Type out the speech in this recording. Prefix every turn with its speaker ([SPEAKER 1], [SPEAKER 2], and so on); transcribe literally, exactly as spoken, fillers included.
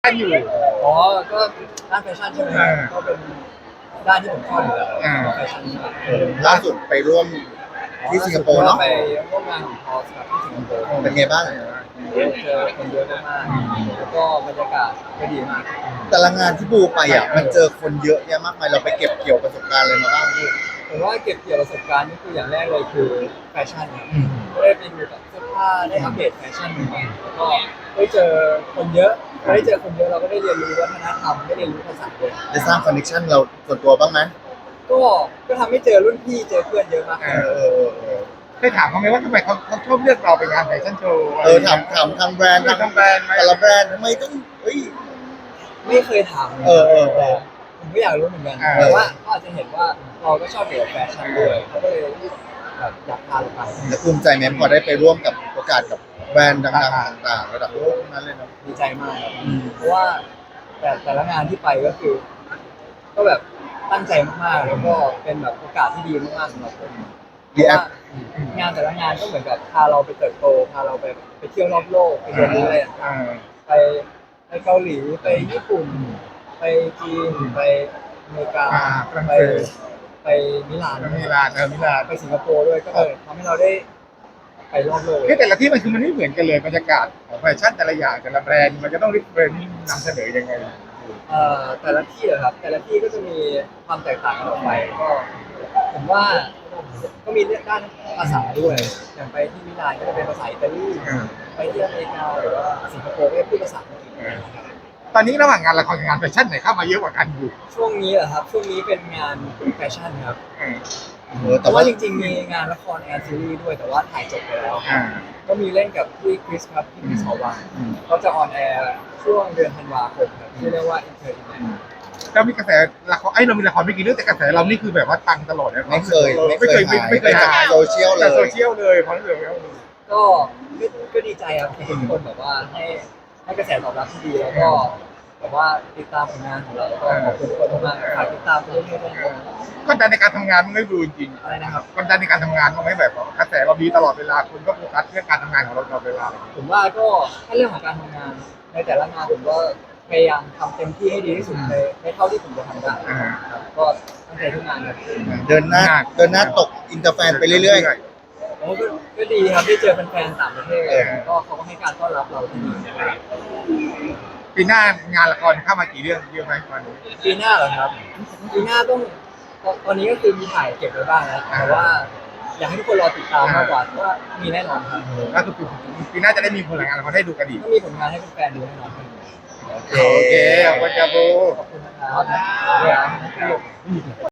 [SPEAKER 1] ด้านอยู่
[SPEAKER 2] อ๋อก็ด้านแฟชั่นใช่ไหมครับก็เป็นด้านที่ผมชอบอยู่แล้วแฟชั่น
[SPEAKER 3] ล่าสุดไปร่วมที่สิงคโปร์เนาะ
[SPEAKER 2] ไปร่วมงานของพอสกับที่สิงคโปร์
[SPEAKER 3] เป็นไงบ้าง
[SPEAKER 2] เจอคนเยอะมากๆแล้วก็บรรยากาศก็ดีมาก
[SPEAKER 3] แต่ละงานที่บูไปอ่ะมันเจอคนเยอะแยะมากมายเราไปเก็บเกี่ยวประสบการณ์อะไรมาบ้างลูก
[SPEAKER 2] ผมว่าเก็บเกี่ยวประสบการณ์นี่คืออย่างแรกเลยคือแฟชั่นครับก็ได้ไปดูแบบเสื้อผ้าได้อัปเดตแฟชั่นใหม่ๆแล้วก็ได้เจอคนเยอะได้เจอคนเยอะเราก็ได้เรียนรู้วัฒนธรรมได้เรียนรู้ภาษาด้วย
[SPEAKER 3] ได้สร้างคอนเนคชั่นเราส่วนตัวบ้างไหม
[SPEAKER 2] ก็ก็ทำให้เจอรุ่นพี่เจอเพื่อนเยอะมาก
[SPEAKER 3] เออเออเออ
[SPEAKER 1] ได้ถามเขาไหมว่าทำไมเขาเขาชอบเลือกเราไปงานแฟชั่นโชว์
[SPEAKER 3] เออถามถามทางแบรนด์ทางแบรนด์แต่ละแบรนด์ทำไมต้องเฮ้ย
[SPEAKER 2] ไม่เคยถาม
[SPEAKER 3] เออเออเออ
[SPEAKER 2] ผมก็อยากรู้เหมือนกันแต่ว่าเขาอาจจะเห็นว่าเราก็ชอบเกี่ยวกับแฟชั่นด้วยเขาก็เลยแบบอยากพาเราไป
[SPEAKER 3] แล้วภูมิใจไหมพอได้ไปร่วมกับโอกาสกับแบรนด์ดังๆต่างๆระดับโลกนั้นเลยเนาะ
[SPEAKER 2] ดีใจมากครับเพราะว่าแต่แต่ละงานที่ไปก็คือ ก็แบบตั้งใจมากๆแล้วก็เป็นแบบโอกาสที่ดีมากๆสำหรับผมเพราะว่างานแต่ละงานก็เหมือนกับพาเราไปเติบโตพาเราไปไปเที่ยวรอบโลกไปเรียนรู้อะไรต่างๆไปไปเกาหลีไปญี่ปุ่นไปจีนไปอเมริกาไปไปมิลาน
[SPEAKER 1] มิลานเออมิลาน
[SPEAKER 2] ไปสิงคโปร์ด้วยก็เลยทำให้เราได้ไปรอบโลก
[SPEAKER 1] คือแต่ละที่มันคือมันไม่เหมือนกันเลยบรรยากาศของแฟชั่นแต่ละอย่างแต่ละแบรนด์มันจะต้องริบแบรนด์นำเสนอยังไง
[SPEAKER 2] เอ่อแต่ละที่เหรอครับแต่ละที่ก็จะมีความแตกต่างกันออกไปก็ผมว่าก็มีเรื่องด้านภาษาด้วยอย่างไปที่มิลานก็จะเป็นภาษาอิตาลีไปที่อเมริกาหรือว่าสิงคโปร์ก็จะพูดภาษาอังกฤษ
[SPEAKER 1] ตอนนี้ระหว่างงานละครกับงานแฟชั่นไหนเข้ามาเยอะกว่ากันอยู่
[SPEAKER 2] ช่วงนี้เหรอครับช่วงนี้เป็นงานแฟชั่นครับ
[SPEAKER 3] แต่
[SPEAKER 2] ว่าจริงๆมีงานละครแอนซีรีส์ด้วยแต่ว่าถ่ายจบไปแล้วก็มีเล่นกับพี่คริสครับพี่คริสหอวังเขาจะออนแอร์ช่วงเดือนธันวาคมครับที่เรียกว่าอินเตอร์อินเตอร์
[SPEAKER 1] เรามีกระแสละครไอ้เรามีละครไม่กี่เรื่องแต่กระแสเรานี่คือแบบว่าตังตลอดเลย
[SPEAKER 3] ไม่เคย
[SPEAKER 1] ไม่เคยไม่เคยหาย
[SPEAKER 3] โซเชียลเลย
[SPEAKER 1] โซเชียลเลยเพราะเรื่อง
[SPEAKER 2] ก็ก็ดีใจครับที่ทุกคนแบบว่าให้ให้กระแสตอบรับที่ดีแล้วก็แบบว่าติดตามผลงานของเราก็ขอบคุณทุกคนมากฝากติดตามไปเรื่อยๆด้วยนะครับ
[SPEAKER 1] กดดันในการทำงานมันไม่ดูจริง
[SPEAKER 2] อะไรนะครับ
[SPEAKER 1] กดดันในการทำงานมันไม่แบบกระแสเราดีตลอดเวลาคุณก็โฟกัสเรื่องการทำงานของเราตลอดเวลา
[SPEAKER 2] ผมว่าก็ถ้าเรื่องของการทำงานในแต่ละงานผมก็พยายามทำเต็มที่ให้ดีที่สุดในในเท่าที่ผมจะทำได้ครับก็ตั้งใจทุกงานครับ
[SPEAKER 3] เดินหน้าเดินหน้าตกอินเตอร์แฟนไปเรื่อย
[SPEAKER 2] ๆโอ้ก็ดีครับได้เจอแฟนๆต่างประเทศก็เขาก็ให้การต้อนรับเราที่ดี
[SPEAKER 1] ปีหน้างานละครเข้ามากี่เรื่องเยอะไหมตอนนี้
[SPEAKER 2] ปีหน้าเหรอครับปีหน้าต้องตอนนี้ก็คือมีถ่ายเก็บไว้บ้างแล้วแต่ว่าอยากให้ทุกคนรอติดตามมากกว่าว่ามีแน่นอนครับ
[SPEAKER 1] ก็คือปีหน้าจะได้มีผลงานละครให้ดูกันอีก
[SPEAKER 2] ก็มีผลงานให้แฟนๆดูแน่นอนครับ
[SPEAKER 1] โอเคขอบคุณครับ
[SPEAKER 2] ขอบคุณนะครับ